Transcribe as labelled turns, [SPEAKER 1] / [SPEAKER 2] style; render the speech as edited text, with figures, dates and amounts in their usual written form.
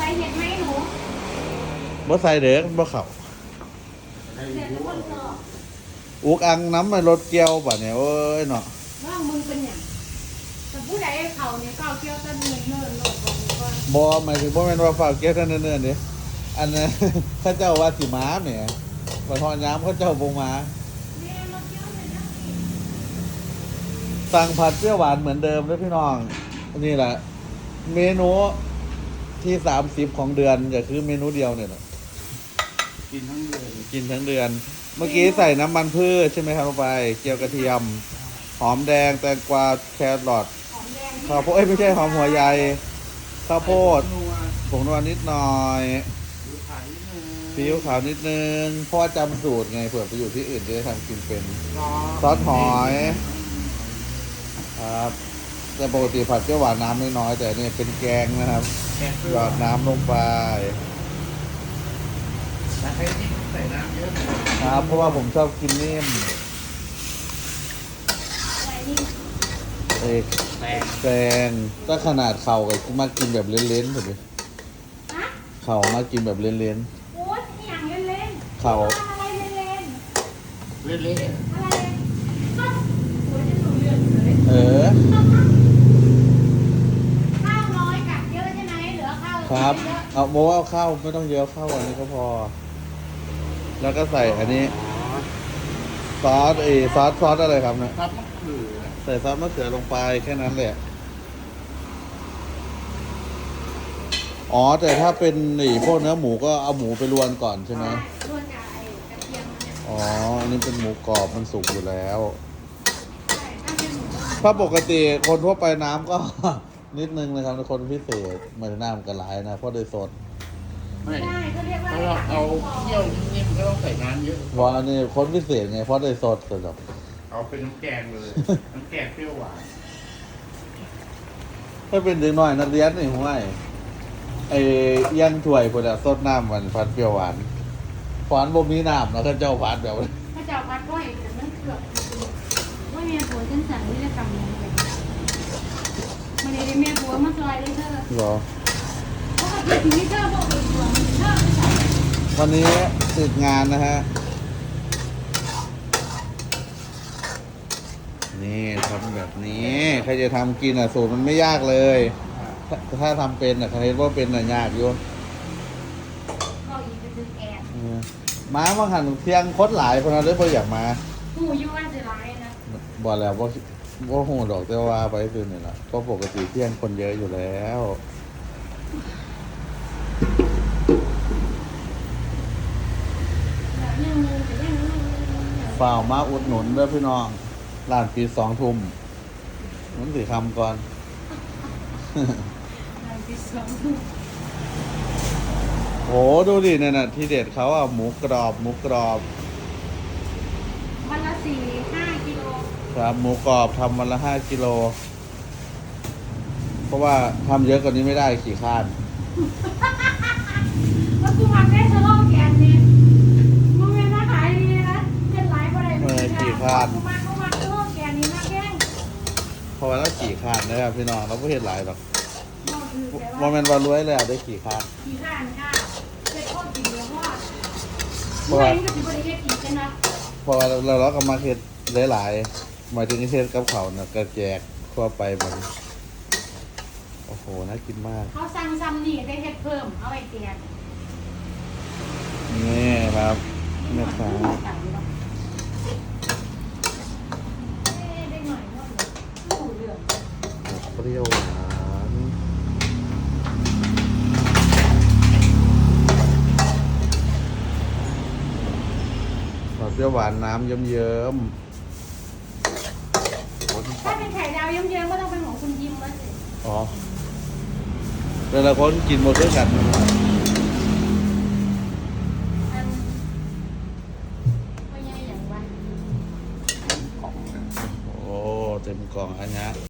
[SPEAKER 1] เห็ดไหมหนู
[SPEAKER 2] บ่ใส่เด้อบ่เข้า
[SPEAKER 1] เสร็จแล้วคนสอบ
[SPEAKER 2] อุกอังน้ำมันรถเกี่ยวบัดเนี่ยโอ้ยเนาะ
[SPEAKER 1] ว่ามึงเป็นอย่างแต่ผู้ใดเขาเนี่ยเก้าเกี่ยวต้นเนินโลดบอกก่อน
[SPEAKER 2] บ่หมายถึงบ่แม่นว่าฝากเกี่ยวเท่านั้นเด้อดิอันนั้น เขาเจ้าว่าสิมาแหมบ่ทอดยามเขาเจ้าบ่มา
[SPEAKER 1] แม่มาเกี่ยวเลยนะ
[SPEAKER 2] สั่งผัดเปรี้ยวหวานเหมือนเดิมด้วยพี่น้องนี่แหละ เมนูที่30ของเดือนก็คือเมนูเดียวเนี่ยแหละ
[SPEAKER 3] กินทั้งเดือน
[SPEAKER 2] กินทั้งเดือน เมื่อกี้ใส่น้ำมันพืชใช่ไหมครับลงไป เจียวกระเทียม หอมแดงแตงกวาแครอท
[SPEAKER 1] หอมแดง
[SPEAKER 2] ข้าวโพดไม่ใช่หอมหัวใหญ่ข้าวโพด
[SPEAKER 3] นัว
[SPEAKER 2] ผงนวลนิดหน่อย
[SPEAKER 3] หรือขายนิดนึง
[SPEAKER 2] ซีอิ๊วขาวนิดนึงเพราะว่าจำสูตรไงเผื่อไปอยู่ที่อื่นจะได้ทำกินเป็น ซอสหอยครับแต่ปกติผัดเปรี้ยวหวานน้ำน้อยๆแต่เนี่ยเป็นแกงนะครับ
[SPEAKER 3] แกงเปรี้
[SPEAKER 2] หย
[SPEAKER 3] ยว
[SPEAKER 2] อดน้ำลงไป
[SPEAKER 3] แต่ให้ที่ใส่น้ำเยอะ
[SPEAKER 2] ครับ เพราะว่าผมชอบกินนิ่ม
[SPEAKER 1] อะไรนี่
[SPEAKER 2] เอ้ย
[SPEAKER 3] แตง
[SPEAKER 2] แกงก็ขนาดเข่ากับมากินแบบเล้นๆผมเลย
[SPEAKER 1] ฮะ
[SPEAKER 2] เข่ามากินแบบเล้น
[SPEAKER 1] โอ๊ยอย่างเล่นๆ
[SPEAKER 2] เขา
[SPEAKER 1] อะไรเล่น
[SPEAKER 3] เละ
[SPEAKER 1] ๆอะไรก็โอ๊ยจะหนูเลือดเลย
[SPEAKER 2] ๆเออ
[SPEAKER 1] ข้าวน้อยกับเยอะใช่ไหมเหลือข้าว
[SPEAKER 2] ครับ
[SPEAKER 1] เยอะ
[SPEAKER 2] เอาโมเอาข้าวไม่ต้องเยอะข้าวอันนี้ก็พอ แล้วก็ใส่อันนี้ ซอสซอสอะไรครับเนี่ย
[SPEAKER 3] ๆครับมะเขือ
[SPEAKER 2] ใส่ซอสมะเขือลงไปแค่นั้นแหละ อ๋อ แต่ถ้าเป็นพวกเนื้อหมูก็เอาหมูไปรวนก่อนใช่ไหม
[SPEAKER 1] รวนกับไอ้กระเทียมมันเนี่ย
[SPEAKER 2] อ๋อ อันนี้เป็นหมูกรอบมันสุกอยู่แล้ว
[SPEAKER 1] ใช่ถ้าเป็นหมู
[SPEAKER 2] ถ้าปกติคนทั่วไปน้ำก็ นิดนึงนะครับคนพิเศษเหมือนน้ำกระไหลายนะเพราะโดยสด
[SPEAKER 3] ไม่
[SPEAKER 1] ใช่เขาเรียกว่า
[SPEAKER 3] ถ้าเราเอาเคี่ยวนิ่มๆก็ต้องใส่น้ำเยอะ
[SPEAKER 2] เพราะอันนี้คนพิเศษไงเพราะโดยสดสด
[SPEAKER 3] เอาเป็นน้ำแกงเลย น้ำแกงเปรี้ยวหวาน
[SPEAKER 2] ถ้าเป็นเด็กน้อยนักเรียนนี่ห้วยไอ้ย่างถ้วยพวกนี้สดน้ำมันพัดเปรี้ยวหวานหวานบ่มีน้ำแล้วก็เจ้าหวานแบบ
[SPEAKER 1] พระเจ้าวัดก้อยแต่มันเกือบว่าเมียผัวฉันสั่งวิรกรรมลงไปมันเลยเมียผัวมาซอยเลยเธอ
[SPEAKER 2] เหรอ
[SPEAKER 1] เพราะว่าที่ถึงที่เธอบอกเป็นผัวเธอไม่ใส่
[SPEAKER 2] วันนี้ติดงานนะฮะ นี่ทำแบบนี้ ใครจะทำกินอ่ะสูตรมันไม่ยากเลย ถ้าทำเป็นอ่ะใครเห็นว่าเป็นอ่ะยากอยู่
[SPEAKER 1] ก็อีกไปซื้อแกง
[SPEAKER 2] เออม้าบางหันเที่ยงคดหลายคนนั้นเลยพออยากมา
[SPEAKER 1] หูยุ่ว่าจะร้ายนะ
[SPEAKER 2] บอกแล้วว่าโหดอกแต่ว่าไปคือเนี่ยแหละเพราะปกติเที่ยงคนเยอะอยู่แล้ว
[SPEAKER 1] แบบยังแต่ยัง
[SPEAKER 2] ฝ่าวมาอุดหนุนด้วยพี่น้องร้านปี2 ทุ่มมันสิคำก่อน
[SPEAKER 1] ที่สอง
[SPEAKER 2] โหดูดิเนี่ยนะที่เด็ดเขาอ่ะหมูกรอบ
[SPEAKER 1] วันละ4-5 กิโล
[SPEAKER 2] ครับหมูกรอบทำวันละ5 กิโล เพราะว่าทำเยอะกว่านี้ไม่ได้ขี่ข้าน
[SPEAKER 1] แล้วกูมาแค่สโลแกนเนี่ยมึงเป็นมาขายดีนะเจ็ดไลฟ์อะไรกูมาสโลแกนนี้มาแกล้ง
[SPEAKER 2] เพราะว่าเราขี่ข้านนะครับพี่น้องเราไม่เห็นหลายหรอก
[SPEAKER 1] บอกคือแต่
[SPEAKER 2] ว่า
[SPEAKER 1] ว่า
[SPEAKER 2] แมันว่ารวยแล้วได้ขี่ข้าน
[SPEAKER 1] ขี้ข้านค่ะเจ็ดโคตรกินเนื้อทอดเมื่อไหร่ก็จะบริเวณกินกันนะ
[SPEAKER 2] เพราะว่าเราก็มาเฮ็ดหลายๆหมายถึงเฮ็ดกับเขาวนะกระแจกทั่วไปมันโอ้โหน่ากินมาก
[SPEAKER 1] เขาสั่งซ้ำนี่ได้เฮ็ดเพิ่มเอาไว้เตียน
[SPEAKER 2] นี่ครับแม่ค้า
[SPEAKER 1] ได้หน่อยว่าหูเหลือง
[SPEAKER 2] เปรี้ยวหวานเปรี้ยวหวานน้ำเยิ้มๆ
[SPEAKER 1] ถ้าเป็นไข่ดาวเยิ้มๆก็ต้องเป็นของคุณยิ้มแล้วสิ
[SPEAKER 2] อ๋อเวลาคนกินหมดด้วยกันนะครับ
[SPEAKER 1] อันว่ายังไงอย่างวะ
[SPEAKER 2] โอ้เต็มกล่องอันนี้